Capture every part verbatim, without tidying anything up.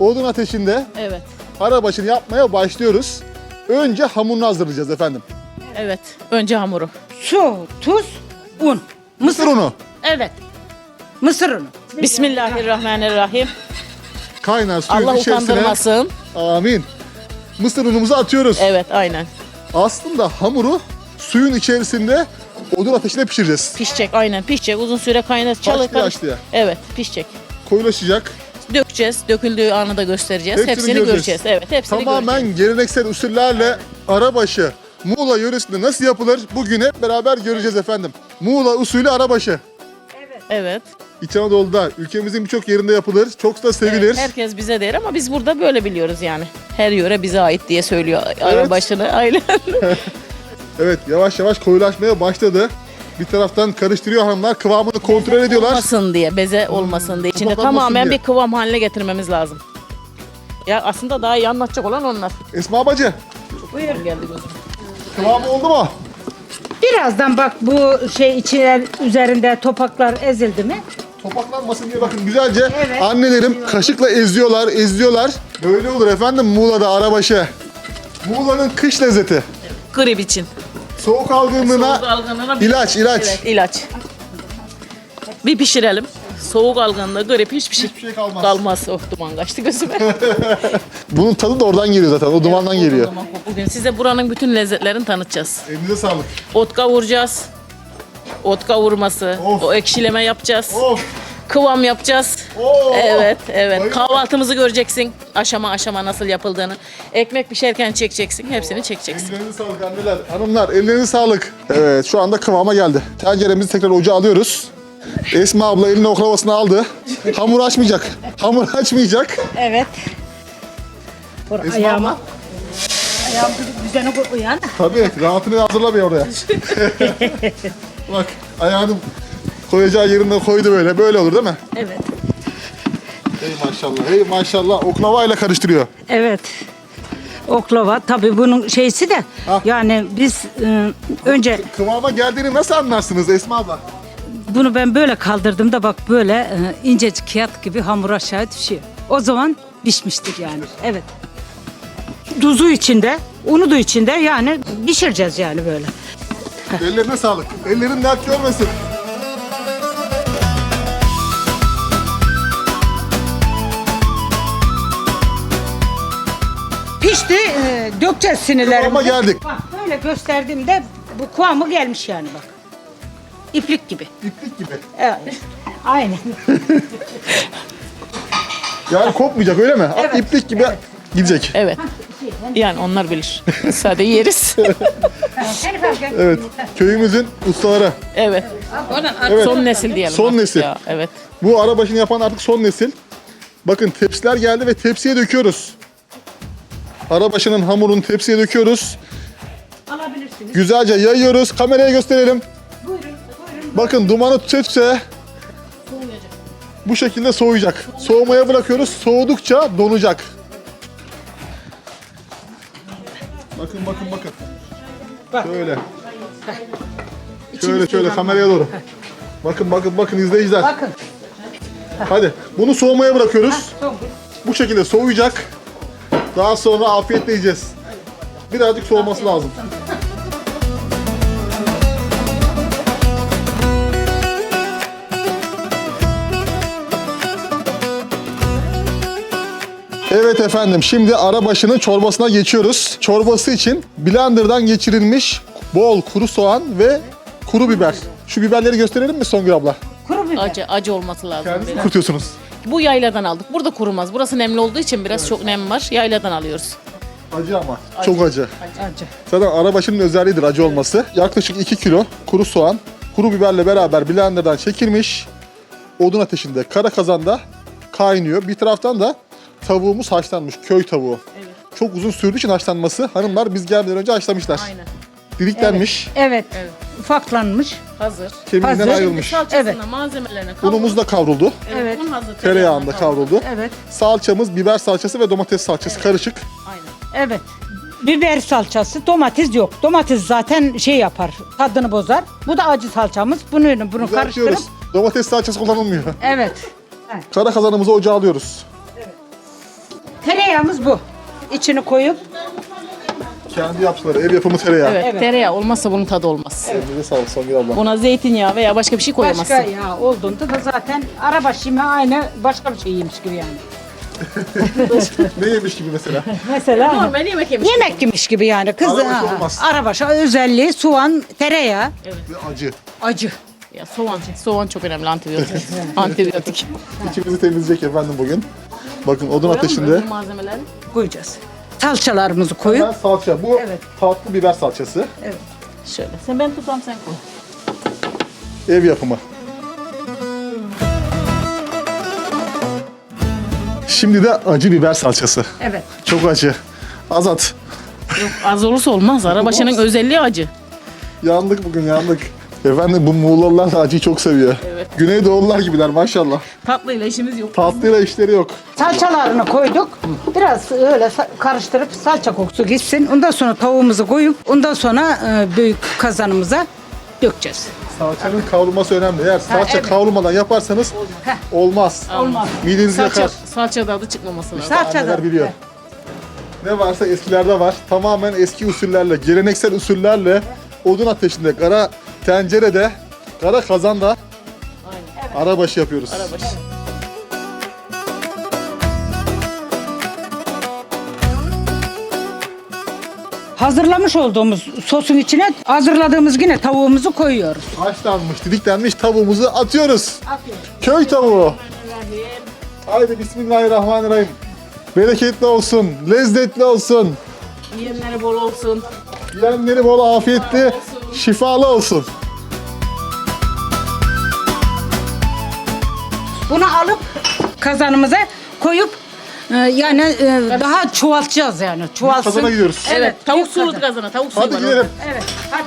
odun ateşinde Evet. arabaşını yapmaya başlıyoruz. Önce hamurunu hazırlayacağız efendim. Evet. Önce hamuru. Su, tuz, un. Mısır unu. Evet. Mısır unu. Bismillahirrahmanirrahim. Kaynar suyun Allah içerisine. utandırmasın. Amin. Mısır unumuzu atıyoruz. Evet, aynen. Aslında hamuru suyun içerisinde odun ateşinde pişireceğiz. Pişecek, aynen pişecek. Uzun süre kaynar çalı Başlıyor, karış. başlıyor. Evet, pişecek. Koyulaşacak. Dökeceğiz. Döküldüğü anı da göstereceğiz. Hepsini Hepsini, göreceğiz. göreceğiz. Evet, hepsini Tamamen göreceğiz. geleneksel usullerle arabaşı Muğla yöresinde nasıl yapılır bugün hep beraber göreceğiz efendim. Muğla usulü arabaşı. Evet. İç Anadolu'da ülkemizin birçok yerinde yapılır. Çok da sevilir. Evet, herkes bize der ama biz burada böyle biliyoruz yani. Her yöre bize ait diye söylüyor arabaşını. Aynen. Evet, yavaş yavaş koyulaşmaya başladı. Bir taraftan karıştırıyor hanımlar, kıvamını kontrol ediyorlar. Olmasın diye, beze olmasın diye. İçinde topaklanmasın tamamen diye. bir kıvam haline getirmemiz lazım. Ya aslında daha iyi anlatacak olan onlar. Esma bacı, Buyurun. Geldi gözüm. kıvamı oldu mu? Birazdan bak bu şey içine üzerinde topaklar ezildi mi? Topaklanmasın diye bakın güzelce Evet. annelerim kaşıkla eziyorlar, eziyorlar. Böyle olur efendim Muğla'da arabaşı. Muğla'nın kış lezzeti. Grip için. Soğuk algınlığına Soğuk algınlığına bir- ilaç, ilaç. Evet, ilaç. Bir pişirelim. Soğuk algınlığı, grip hiçbir şey, Hiçbir şey kalmaz. kalmaz. Oh, duman kaçtı gözüme. Bunun tadı da oradan geliyor zaten, o dumandan geliyor. Duman kokuyor. Bugün size buranın bütün lezzetlerini tanıtacağız. Elinize sağlık. Ot kavuracağız. Ot kavurması. Of. O ekşileme yapacağız. Of! Kıvam yapacağız. Oo. Evet, evet. Bayıldım. Kahvaltımızı göreceksin. Aşama aşama nasıl yapıldığını. Ekmek pişerken çekeceksin. Hepsini çekeceksin. Ellerinize sağlık anneler, hanımlar, ellerinize sağlık. Evet, şu anda kıvama geldi. Tenceremizi tekrar ocağa alıyoruz. Esma abla eline oklavasını aldı. Hamur açmayacak. Hamur açmayacak. Evet. Vur Esma ayağıma. abla. Ayağım düzene uyan. Tabii, rahatını hazırlamıyor oraya. Bak, ayağını koyacağı yerine koydu böyle. Böyle olur değil mi? Evet. Hey maşallah, hey maşallah. Oklavayla karıştırıyor. Evet. Oklava tabii bunun şeysi de Ha. yani biz e, önce Kıvama geldiğini nasıl anlarsınız Esma abla? bunu ben böyle kaldırdım da bak böyle e, incecik kağıt gibi hamur aşağı düşüyor. O zaman pişmiştir yani. Evet. Tuzu içinde, unu da içinde yani pişireceğiz yani böyle. Ellerine sağlık. Ellerin dert görmesin. Pişti, e, dökeceğiz sinirlerimizi. Kıvama geldik. Bak böyle gösterdiğimde bu kıvamı gelmiş yani bak. İplik gibi. İplik gibi. Evet. Aynen. Yani kopmayacak öyle mi? Evet. İplik gibi gidecek. Evet. Yani onlar bilir. Sade yeriz. Evet. Köyümüzün ustaları. Evet. Evet. Son nesil diyelim. Son artık nesil. Ya. Evet. Bu arabaşını yapan artık son nesil. Bakın tepsiler geldi ve tepsiye döküyoruz. Arabaşının hamurunu tepsiye döküyoruz. Alabilirsiniz. Güzelce yayıyoruz. Kameraya gösterelim. Buyurun, buyurun. Bakın dumanı tütse bu şekilde soğuyacak. Soğumaya bırakıyoruz. Soğudukça donacak. Bakın bakın bakın. Bak. Şöyle. Şöyle şöyle kameraya doğru. Bakın bakın bakın izleyiciler. Bakın. Hadi bunu soğumaya bırakıyoruz. Son. Bu şekilde soğuyacak. Daha sonra afiyetle yiyeceğiz. Birazcık soğuması lazım. Evet efendim, şimdi arabaşının çorbasına geçiyoruz. Çorbası için blenderdan geçirilmiş bol kuru soğan ve kuru biber. Şu biberleri gösterelim mi Songül abla? Kuru biber. Acı, acı olması lazım. Kendiniz mi biraz. kurutuyorsunuz? Bu yayladan aldık. Burada kurumaz. Burası nemli olduğu için biraz çok nem var. Yayladan alıyoruz. Acı ama. Çok acı. Acı. Zaten arabaşının özelliğidir acı olması. Yaklaşık iki kilo kuru soğan, kuru biberle beraber blenderdan çekilmiş. Odun ateşinde, kara kazanda kaynıyor. Bir taraftan da tavuğumuz haşlanmış, köy tavuğu. Evet. Çok uzun sürdüğü için haşlanması. Hanımlar biz gelmeden önce haşlamışlar. Aynen. Diriklenmiş, Evet. Evet. Ufaklanmış. Hazır. kemiğinden Hazır. ayrılmış. Salçasına, Evet. malzemelerine kavrul. Unumuz da kavruldu. Evet. un hazır. Tereyağında kavruldu. Evet. Salçamız biber salçası ve domates salçası karışık. Aynen. Evet. Biber salçası, domates yok. Domates zaten şey yapar, tadını bozar. Bu da acı salçamız. Bunu bunu karıştırıp. Düzeltiyoruz. Domates salçası kullanılmıyor. Evet. Kara kazanımızı ocağa alıyoruz. Tereyağımız bu. İçini koyup Kendi yaptıkları ev yapımı tereyağı. Evet, Evet. tereyağı olmazsa bunun tadı olmaz. Elinize sağlık Songül abla. Buna zeytinyağı veya başka bir şey koyamazsın. başka yağ olduğunda da zaten arabaşı yeme aynı başka bir şey yemiş gibi yani. Ne yemiş gibi mesela? Mesela Normal yemek yemiş. yemek yemiş gibi yani. Kız Arabaşı ha, olmaz. arabaşı özelliği soğan, tereyağı, Ve acı. acı. Ya soğan, soğan çok önemli antibiyotik. antibiyotik. İçimizi temizleyecek efendim bugün. Bakın odun ateşinde. Öbür malzemeleri. Koyacağız. Salçalarımızı koyup Hemen salça. Bu Evet. tatlı biber salçası. Şöyle. Sen ben tutam sen koy. Ev yapımı. Şimdi de acı biber salçası. evet. Çok acı. Azat. Yok az olursa olmaz. Arabaşının özelliği acı. Yandık bugün yandık. Efendim bu Muğlalılar da acıyı çok seviyor. Evet. Güneydoğullar gibiler maşallah. Tatlıyla işimiz yok. Tatlıyla işleri yok. Salçalarını koyduk. Biraz öyle sa- karıştırıp salça kokusu gitsin. Ondan sonra tavuğumuzu koyup ondan sonra e, büyük kazanımıza dökeceğiz. Salçanın kavrulması önemli. Eğer salça evet. kavrulmadan yaparsanız Heh. olmaz. Olmaz. Midenizi Salça, yakar. salça tadı çıkmaması lazım. Salça Anneler da. biliyor. Ne varsa eskilerde var. Tamamen eski usullerle, geleneksel usullerle odun ateşinde, kara tencerede, kara kazanda arabaşı yapıyoruz. Arabaşı. Hazırlamış olduğumuz sosun içine hazırladığımız yine tavuğumuzu koyuyoruz. Haşlanmış, didiklenmiş tavuğumuzu atıyoruz. Köy tavuğu. Haydi bismillahirrahmanirrahim. Bereketli olsun, lezzetli olsun. Yiyenleri bol olsun. Yiyenleri bol afiyetli, şifalı olsun. Bunu alıp kazanımıza koyup e, yani e, daha çoğaltacağız yani. Çoğalsın. Kazana gidiyoruz. Evet, tavuk büyük sulu kazan. kazana, tavuk suyu Hadi var gidelim. orada. Evet. Hadi.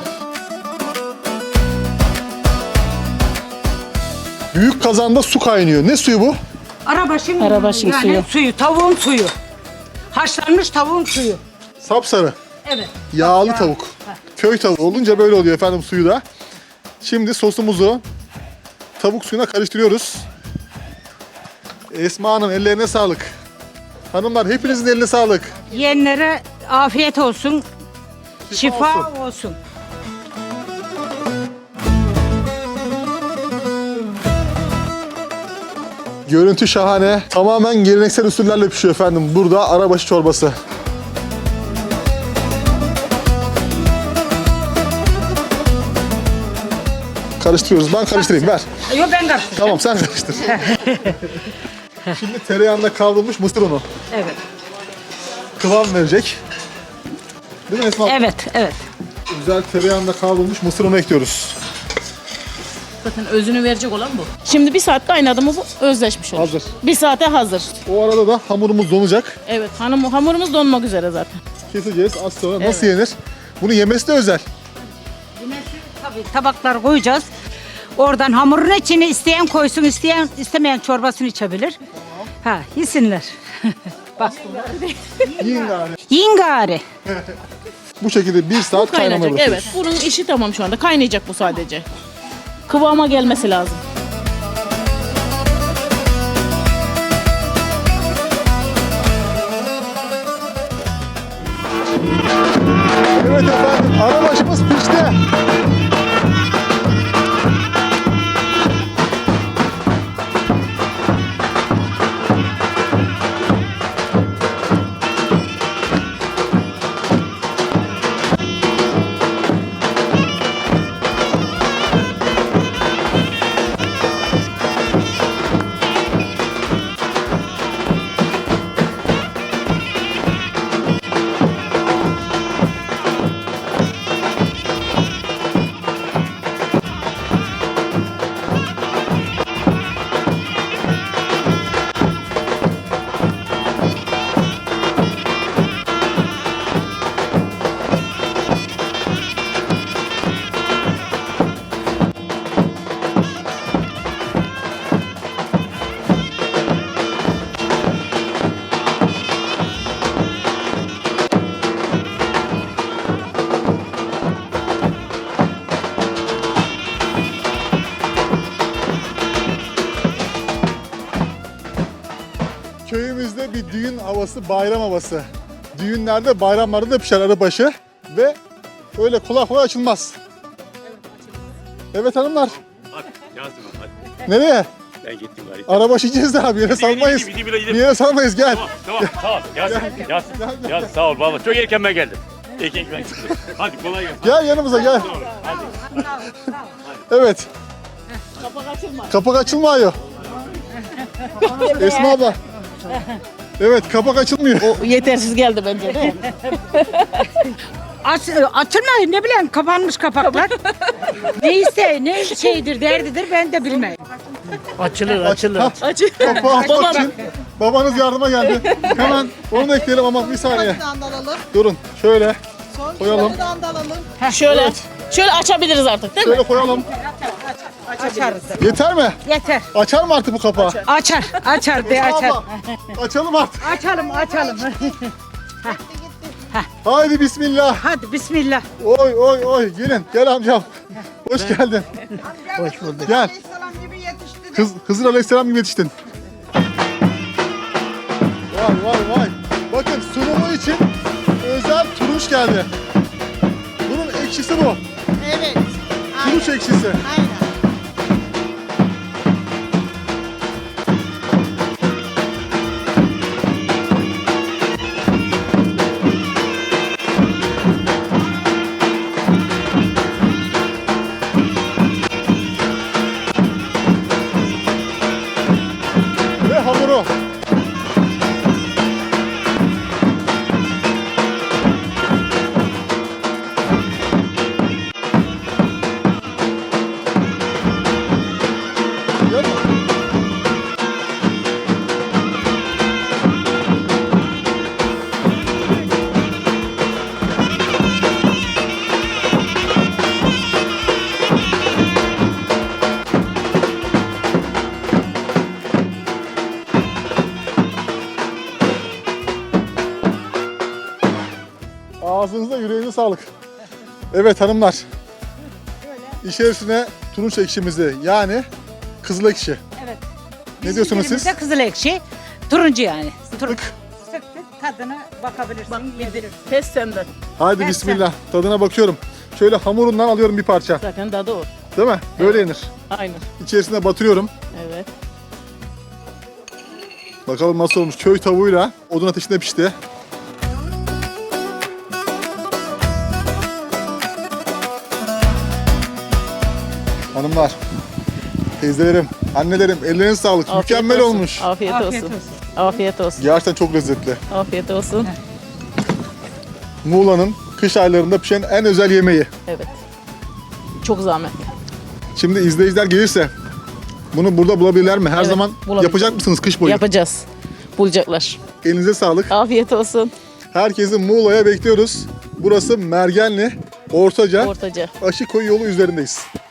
Büyük kazanda su kaynıyor. Ne suyu bu? Arabaşın, Arabaşın yani suyu. suyu. Tavuğun suyu. Haşlanmış tavuğun suyu. Sapsarı. Evet. Yağlı tavuk. Köy tavuğu olunca böyle oluyor efendim suyu da. Şimdi sosumuzu tavuk suyuna karıştırıyoruz. Esma Hanım ellerine sağlık. Hanımlar hepinizin eline sağlık. Yiyenlere afiyet olsun. Şifa, olsun. olsun. Görüntü şahane. Tamamen geleneksel usullerle pişiyor efendim. Burada arabaşı çorbası. Karıştırıyoruz. Ben karıştırayım. Ver. Yok ben karıştırdım. Tamam sen karıştır. Şimdi tereyağında kavrulmuş mısır unu. Evet. Kıvam verecek. Değil mi Esma? Evet, evet. Güzel tereyağında kavrulmuş mısır unu ekliyoruz. Zaten özünü verecek olan bu. Şimdi bir saat kaynadı mı bu özleşmiş olur. Hazır. Bir saate hazır. O arada da hamurumuz donacak. Evet, hanım, hamurumuz donmak üzere zaten. Keseceğiz az sonra. Nasıl yenir? Bunu yemesi de özel. Tabii tabaklar koyacağız. Oradan hamurun içine isteyen koysun, isteyen istemeyen çorbasını içebilir. Ha, yesinler. Bak. Yiyin gari. Yiyin gari. Bu şekilde bir saat kaynamaya Kaynayacak. bırakıyoruz. Evet, bunun işi tamam şu anda. Kaynayacak bu sadece. Kıvama gelmesi lazım. Evet efendim arabaşımız pişti. İçerimizde bir düğün havası, bayram havası. Düğünlerde, bayramlarda da pişer arıbaşı ve öyle kolay kolay açılmaz. Evet hanımlar. Hadi Yasemin hadi. Nereye? Ben gittim gari. Arabaşı yiyeceğiz daha bir yere salmayız. gideyim, gideyim, gideyim. Bir yere salmayız gel. Tamam tamam tamam. Yasemin Yasemin. Gel, gel. Yasemin sağ ol valla. Çok erken ben geldim. Erken ben çıktım. Hadi kolay gelsin. Gel yanımıza gel. Evet. Kapak açılmaz. Kapak açılmıyor. Esma abla. Evet kapak açılmıyor. O yetersiz geldi bence de. Aç, açılmayın ne bileyim kapanmış kapaklar. Neyse ne şeydir derdidir ben de bilmem. Açılır, açılır. Ha, Açı. kapağı açmak Babam. için babanız yardıma geldi. Hemen onu da ekleyelim ama bir saniye. Sonradan da alalım. Durun şöyle Son Koyalım. sonradan da alalım. Şöyle. Şöyle açabiliriz artık değil mi? şöyle koyalım. Açarız. Yeter mi? Yeter. Açar mı artık bu kapağı? Açar. Açar de açar. Abla, açalım artık. Açalım açalım. Haydi bismillah. Hadi bismillah. Oy oy oy gelin gel amcam. Hoş geldin. Hoş bulduk. Gel. Aleyhisselam gibi yetişti. Kız, Hızır Aleyhisselam gibi yetiştin. Vay vay vay. Bakın sunumu için özel turunç geldi. Bunun ekşisi bu. Evet. Turunç ekşisi. Aynen. Ve hamuru. Gel mi? Ağzınıza yüreğinize sağlık. Evet hanımlar. İçerisine turunç ekşimizi yani kızıl ekşi. Evet. Ne diyorsunuz siz? Bizimkilerimizde kızıl ekşi. Turuncu yani. Tık. Sıktık tadına bakabilirsin. Bak yedirirsin. Test senden. Haydi Ben bismillah. Tadına bakıyorum. Şöyle hamurundan alıyorum bir parça. Zaten tadı o. Değil mi? Böyle yenir. Aynen. İçerisine batırıyorum. Evet. Bakalım nasıl olmuş. Köy tavuğuyla odun ateşinde pişti. Hanımlar, teyzelerim, annelerim ellerinize sağlık. Afiyet Mükemmel olsun. olmuş. Afiyet, Afiyet olsun. olsun. Afiyet olsun. Gerçekten çok lezzetli. Afiyet olsun. Muğla'nın kış aylarında pişen en özel yemeği. Evet. Çok zahmet. Şimdi izleyiciler gelirse bunu burada bulabilirler mi? Her Evet, zaman bulabilir. yapacak mısınız kış boyu? Yapacağız. Bulacaklar. Elinize sağlık. Afiyet olsun. Herkesi Muğla'ya bekliyoruz. Burası Mergenli, Ortaca, Ortaca. Aşıkoyu yolu üzerindeyiz.